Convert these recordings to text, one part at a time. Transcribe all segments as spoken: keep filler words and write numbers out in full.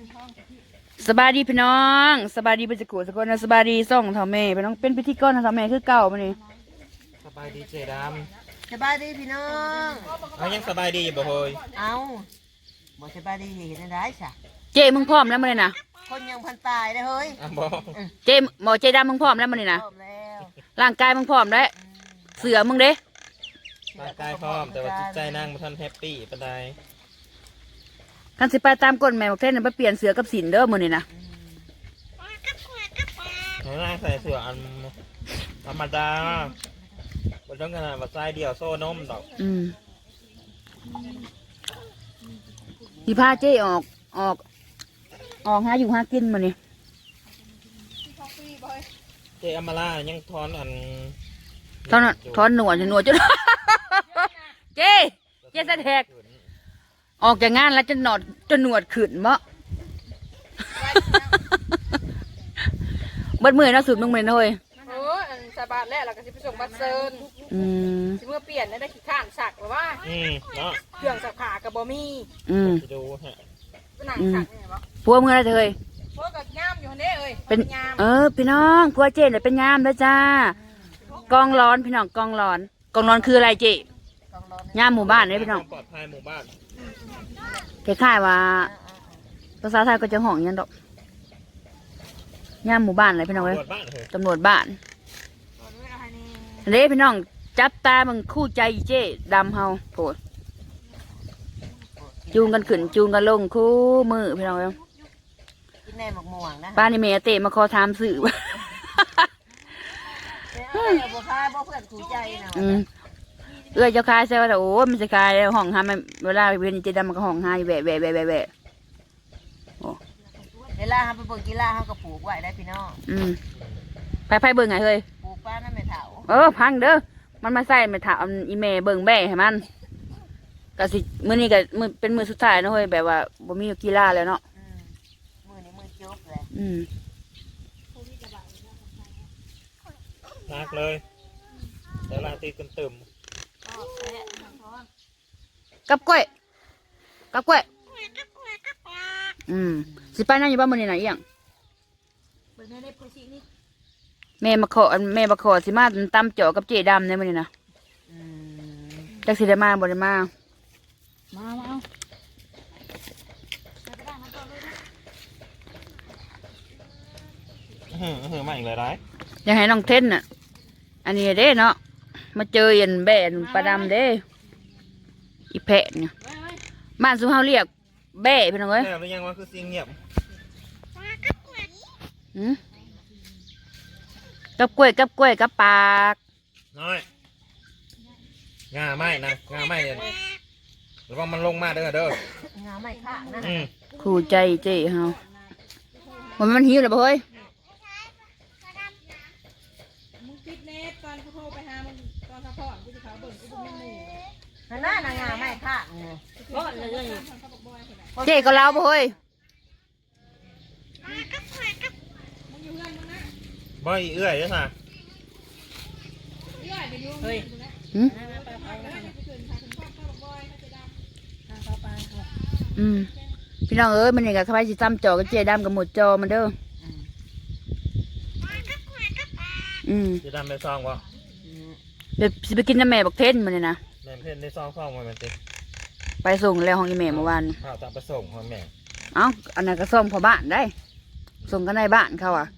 สบายดีพี่น้องสบายดีเป็นสกุลสกุลนะสบายดีส่องเท่าแม่พี่น้องเป็นพิธีกรนะเท่าแม่คือเก่ามานี่สบายดีเจดสบายดีพี่น้องำเอายังสบายดีอยู่บ่เฮยเอาบ่สบายดีเห็นได้ใช่เจมึงพร้อมแล้วมาเลยนะคนยังพันตายได้เฮ้ยอ่ะบ่เจหมอเจดำมึงพร้อมแล้วมาเลยนะพร้อมแล้วร่างกายมึงพร้อมแล้วเสือมึงเด้ร่างกายพร้อมแต่ว่าจิตใจนั่งบ่ทันแฮปปี้ปานใดกันสิไปตามกฎแม่บอกเทศน่ะไปเปลี่ยนเสือกับสินเด้อมื้อนี้นะให้ร่างใส่เสื้ออันธรรมดาบ่ต้องขนาดว่าใส่เดี่ยวโซ่นมดอกอืมสิพาเจออกออกออกหาอยู่หากินมื้อนี้เจอมาล่ายังทอนอันทอนทอนหนวดหนวดจนเจเจสะแทกออกจากงานแล้วจะหนอดจะหนวดขึ้นมะเบิดมือนะสุดมึงเหม็นเลยโอ้อันสบายแล้วเราก็สิไปส่งบัตรเซิร์นอืมสิเมื่อเปลี่ยนได้ขี้ข้านสักหรือว่าอืมเนาะเครื่องสักขากับบอมี่อืมดูฮะหนังสักเนี่ยบ่พัวมึงอะไรเธอพวกกับย่ามอยู่คนนี้เอ้ยเป็นเออพี่น้องพัวเจนเนี่ยเป็นยามแล้วจ้ากองร้อนพี่น้องกองร้อนกองร้อนคืออะไรเจยามหมู่บ้านเนี่ยพี่น้องปลอดภัยหมู่บ้านคล้ายๆว่าภาษาไทยก็จะห้องยันดอกย่ามหมู่บ้านอะไรพี่น้องเลยตำรวจบ้านเด้พี่น้องจับตามึงคู่ใจเจ๊ดำเฮาโผล่จูงกันขึ้นจูงกันลงคู่มือพี่น้องเลยกินแน่หมกม่วงนะป้านี่เมย์เตะมาคอทามสื่อเอ้ยบัวคายบัวเพื่อนถูใจนะเอื้อเจ้าคายเซลล์แต่โอ้มันจะคายห้องหามันเวลาเวียนเจดำมันก็ห้องหาอยู่แบะแบะแบะแบะแบะโอ้เวลาเขาไปเบิ่งกีฬาเขาก็ปลูกไว้ได้พี่น้องอืมไปไปเบิ่งไงเฮ้ยปลูกป้านั่นไม่เถาเออพังเด้อมันมาใส่ไม่ถาอีเมย์เบิ่งแบะให้มันก็สิมื้อนี้ก็มือเป็นมือสุดท้ายนะเฮ้ยแบบว่าบ่มีกีฬาแล้วเนาะมือนี้มือจบเลยอืมนักเลยแต่ลาตีกันตึมกับกล้วยกับกล้วยอืมสิไปนั่นอยู่บ้านมื้อนี้น่ะอีหยังแม่มาขอแม่มาขอสิมาตำเจาะกับเจดำในมื้อนี้นะจักสิได้มาบ่ได้มามามาเอาเฮ้อเฮ้อมาอีกเลยได้อยากให้น้องเทนน่ะอันนี้เด้เนาะมาเจอยันแบนปลาดำเด้อีแพะเนี่ยบ้านสุเฮาเรียกแบ่พี่น้องเอ้ยแบ่หรือยังว่าคือเสียงเงียบหืมกับกล้วยกับกล้วยกับปากน้อยงาไม้นะงาไม้เนี่ยแล้วก็มันลงมาเด้อเด้องาไม้ข้างนะขู่ใจเจ๊เฮามันมันหิวเลยบ่เฮ้ยมึงปิดเน็ตตอนเขาโทรไปหามึงตอนเขาพ่อกูจะเขาเบิ่งกูเป็นหมู่นั่นน่ะงาไม้ข้างเนี่ยเจ๊ก็เล่าบ่เฮ้ยบ่อยเอื้อยจ้ะน่ะเฮ้ยอืมพี่น้องเอ้ยมันนี่กับใครสิจำจอกับเจ๊ดำกับหมดจอมันเด้ออืมเจ๊ดำไปซองวะเดี๋ยวสิไปกินน้ำแม่บักเทนมันนี่นะแม่เพ่นได้ซองซองมาเหมือนติไปส่งแล้วห้องอีแม่เมื่อวานข้าวตามไปส่งพ่อแม่เอ้าอันนั้นก็ส่งพอบ้านได้ส่งกันในบ้านเขาอ่ะ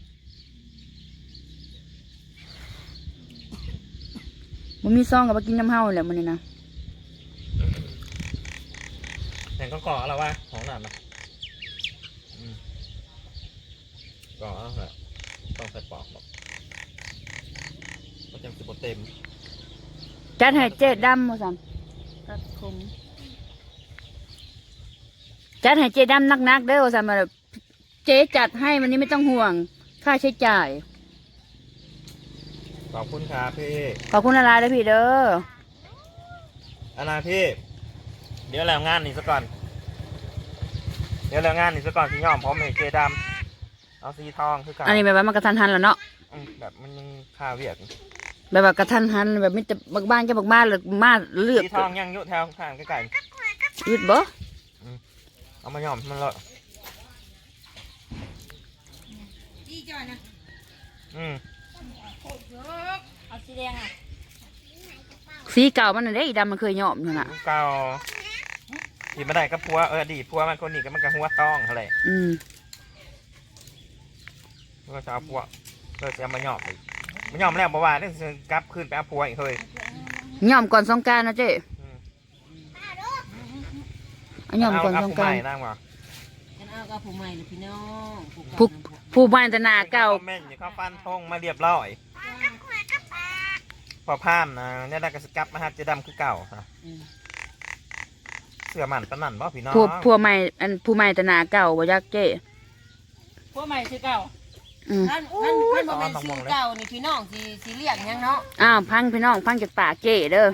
มันมีซองกับไปกินน้ำเฮาแหละมันนี่นะแต่ก็ก่ออะไรวะของหนาดนะก่ออะไรต้องใส่ปอกบอกก็จะสิบเต็มจัดให้เจ๊ดำมาสั่งครับผมจัดให้เจ๊ดำนักๆเด้อสั่งมาเจ๊จัดให้วันนี้ไม่ต้องห่วงค่าใช้จ่ายขอบคุณครับพี่ขอบคุณอะไรเลยพี่เด้ออะไรพี่เดี๋ยวแล้วงานนี่ซะก่อนเดี๋ยวแล้วงานนี่ซะก่อนสีย่อมพร้อมให้เจดำเอาสีทองคือกันอันนี้แบบว่ามันกระทันหันแล้วเนาะแบบมันยังคาเวียกแบบว่ากระทันหันแบบไม่จะบักบ้านจะบักบ้านหรือมาเลือกสีทองยังยุแถวข้างใกล้ๆยืดบ่เอามาย่อมมันเลยอีจอยนะอืมเอาสีแดงอ่ะสีเก่ามันน่ะเด้อีดำมันเคยยอมอยู่น่ะเก่าที่มาได้กับผัวเอออดีตผัวมันคนนี้ก็มันก็หัวต้องอะไรอืมก็จะเอาผัวก็จะเอามาหยอบอีกมาหยอบแล้วบอกว่าต้องกลับคืนไปเอาผัวอีกเฮ้ยยอมก่อนสงกรานต์นะเจ๊อืมเอายอมก่อนเาสงผู้กรานใหม่ต์นั่งวะกันเอากับผู้ใหม่เลยพี่น้องผู้ผู้บ้านแต่หนาเก่าคอมเมนต์อยู่เข้าฟันทงมาเรียบร้อยพอพามนะเนี่ยได้กระสกับมาฮัดเจดำคือเก่าฮะเสื้อมันปะนั่นบ่พี่น้องผู้ผู้ใหม่อันผู้ใหม่แต่หนาเก่าบ่ยักเจ๊พวกใหม่คือเก่าอืมท่านท่านท่านบ่เป็นชื่อเก่านี่พี่น้องสิสิเรียกหยังเนาะอ้าวพังพี่น้องพังจากปากเจ๊เด้อ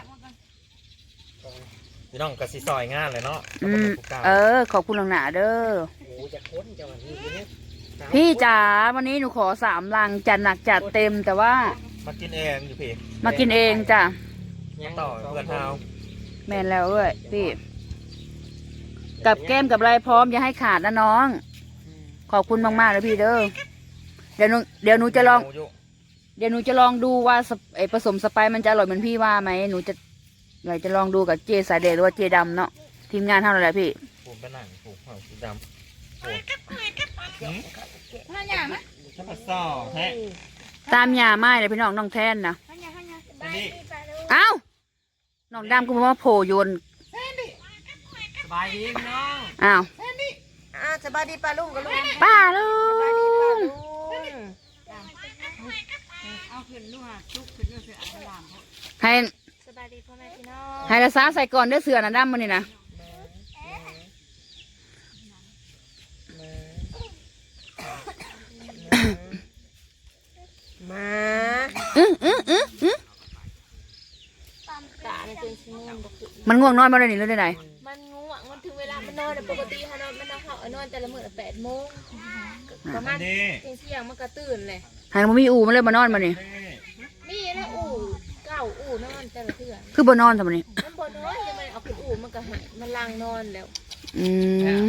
พี่น้องกระสีซอยงานเลยเนาะอืมผู้เก่าเออขอบคุณหลังหนาเด้อโอ้จะค้นจะวันนี้เนี่ยพี่จ๋าวันนี้หนูขอสามลังจัดหนักจัดเต็มแต่ว่ามากินเองอยู่พี่มากินเองจ้ะยังต่อเพื่อนเฮาแม่นแล้วด้วยพี่ กับแก้มกับอะไรพร้อมอย่าให้ขาดนะน้อง ขอบคุณมากๆเลยพี่เด้อเดี๋ยวหนูเดี๋ยวหนูจะลอง เดี๋ยวหนูจะลองดูว่าสไอผสมสไปซ์มันจะอร่อยเหมือนพี่ว่าไหมหนูจะอยากจะลองดูกับเจสายเดชหรือว่าเจดำเนาะทีมงานเท่าไหร่พี่ผมเป็นหนังผูกหัวสีดำโอ้ท่านอย่างไหมถ้ามาซ่อแฮะตามยาไม้เลยพี่น้องน้องแทนนะท่านอย่างท่านอย่างนี่เอ้าน้องดำก็มาโผล่โยนสบายดีพี่น้องอ้าวอ่าสบายดีป้าลุงกับลุงป้าลุสบายดีป้าง ลุงเอาขึ้นลูกอ่ะชุกขึ้นลูกเสือเอาหลามเขาให้สบายดีพ่อแม่พี่น้องให้ละซาใส่ก่อนเด้อเสือนะดำมันนี่นะมาอื้ออื้ออื้ออื้อตาในตัวชิมงบอกคือมันง่วงนอนมาเลยนี่เลยไหนมันง่วงมันถึงเวลามันนอนแต่ปกติเขานอนมันนอนเขาเอานอนแต่ละมื้อแปดโมงประมาณนี่เที่ยงเที่ยงมันก็ตื่นเลยให้มันมีอูมันเลยมานอนมานี่มีแล้วอู่เก้าอู่นอนแต่ละเทื่อคือบนนอนทำไมนี่มันบ่นอนจะมันเอาขึ้นอู่มันก็หายมันลังนอนแล้วอืม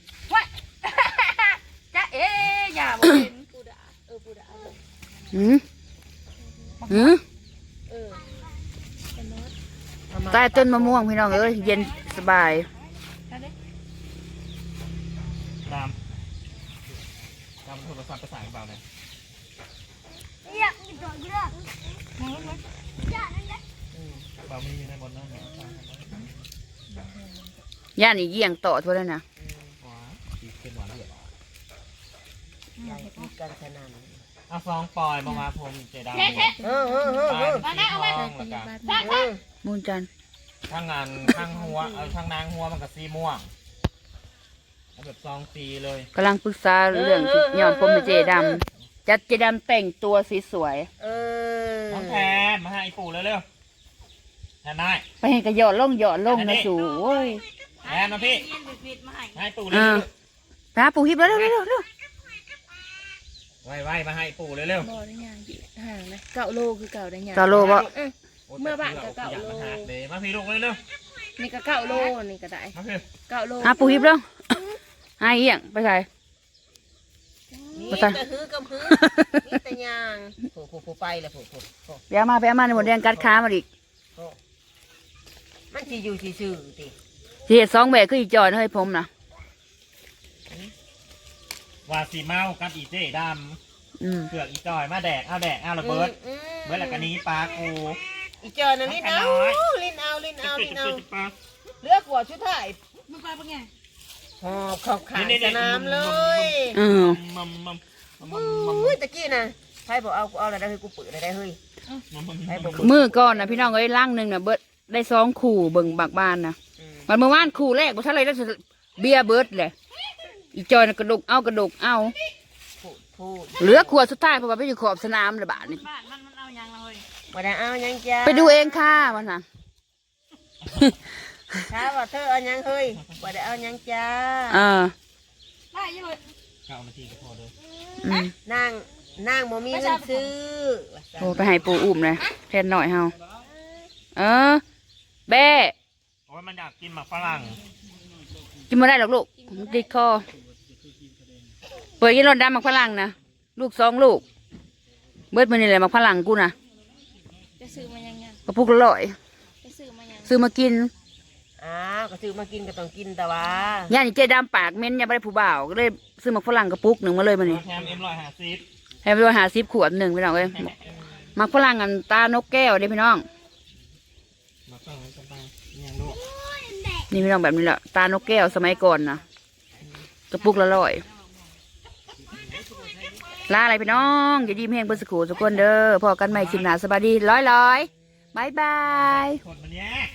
จ้าเอ๊ยอย่าบอกเป็นปูดาเออปูดาอืมอืมเออมันนอนใต้ต้นมะม่วงพี่น้องเอ้ยเย็นสบายดำดำโทรศัพท์ภาษาเปล่าเนี่ยเปล่ามีอยู่ในบนนั่นเนี่ยย่านอีเยี่ยงต่อทั่วเลยนะว้าดีเป็นหวานเหลือใหญ่พูดกันขนาดเอาฟองปล่อยมามาผมเจดำเออเออเออปลายสีทองแล้วกันเออมูนจันทร์ทั้งงานทั้งหัวเอาทั้งนางหัวมันกับสีม่วงเอาแบบซองสีเลยกำลังปรึกษาเรื่องที่ย้อมผมเป็นเจดำจัดเจดำแต่งตัวสีสวยเออน้องแทนมาให้ปู่เร็วๆแทนนายไปเห็นกระหยอดล่งหยอดล่งนะสูโอ้ยแทนนะพี่เย็นปิดๆมาให้ให้ปู่เร็อ่าว ไปหาปูฮิบแล้วเร็วเร็วเร็วเร็วๆไว้ๆมาให้ปู่เร็วบ่ได้ยางห่างนะเก้าโลคือเก่าได้ยางตาโลบ่ๆเมื่อบ้านก็เก่าโลอยมหเลยมาพี่ลูกเร็วนี่ก็เก้าโลนี่ก็ได้ๆมาพี่เก้าโลหาปูฮิบแล้วหาเอียงไปใส่นี่ก็ฮือกับฮือนี่แต่ยางผูผูผูไปแล้วผูผูผูไปเอามาไปเอามาในหมดแดงกัดขามาอีกมันสิอยู่ซื่อๆติสิเห็ดสองแบบคืออีจอยนะเฮ้ยผมนะว่าสีเมากับอีเจ๊ดอืมำเผือกอีจอยมาแดกเอาแดกเอาระเบิดอืมเบิดแล้วกันนี้ปลากูอีจอน่ะลิ้นเอาลิ้นเอาลิ้นเอาลิ้นเอาปลาเลือกหัวชุดไทยมึงไปเป็นไงหอบเข้าขางสนามเลยเออมัมมัมมัมมัมมัมอุ้ยตะกี้น่ะใครบอกเอากูเอาอะไรได้เฮ้ยกูเปิดอะไรได้เฮ้ยมัมมัมใครบอกมือก่อนนะพี่น้องเอ้ยล่างหนึ่งนะเบิดได้สองขู่เบิ่งบากบานนะมันเมื่อวานขู่แรกบ่ทันเลยได้เบียร์เบิดเลยอีจอยน่ะกระดกเอากระดกเอาพูดพูดเหลือขวดสุดท้ายเพราะว่าไปอยู่ขอบสนามเลยบาทนี่บ้านมันมันเอายังเลยมาได้เอายังจ้าไปดูเองค่ะมันนะถ้าว่าเธอเอายังเฮ้ยมาได้เอายังจ้าเออได้ยังเลยเก้านาทีก็พอเลยอืมนั่งนั่งบ่มีเงินซื้อโอ้ไปให้ปูอุ้มเลยแทนหน่อยเฮาเออแบ้โอ้ยมันอยากกินหมากฝรั่งกินมาได้หรอกลูกมันติดคอเปิดกินรถดำหมักฝรั่งนะลูกสองลูกเบิดมันนี่แหละมาพลังกูนะจะซื้อมายังไงกระปุกละร้อยจะซื้อมายังซื้อมากินอ้าวก็ซื้อมากินก็ต้องกินแต่ว่าย่านี่เจ๊ดำปากเม้นอย่าไปได้ผู้บ่าวก็เลยซื้อมาฝรั่งกระปุกหนึ่งมาเลยมันนี่แถมเอ็มร้อยห้าสิบให้ไปหาซิปขวดหนึ่งพี่น้องเลยมาฝรั่งกันตานกแก้วเด้พี่น้องมาฟังกันไปยังลูกนี่พี่น้องแบบนี้แหละตานกแก้วสมัยก่อนนะกระปุกละร้อยลาอะไรพี่น้องอย่าดีมแห้งเพื่อสกูทุกคนเด้อพอกันใหม่คลิปหน้าสบายดีร้อยร้อยบายบายคนมันเนี้ย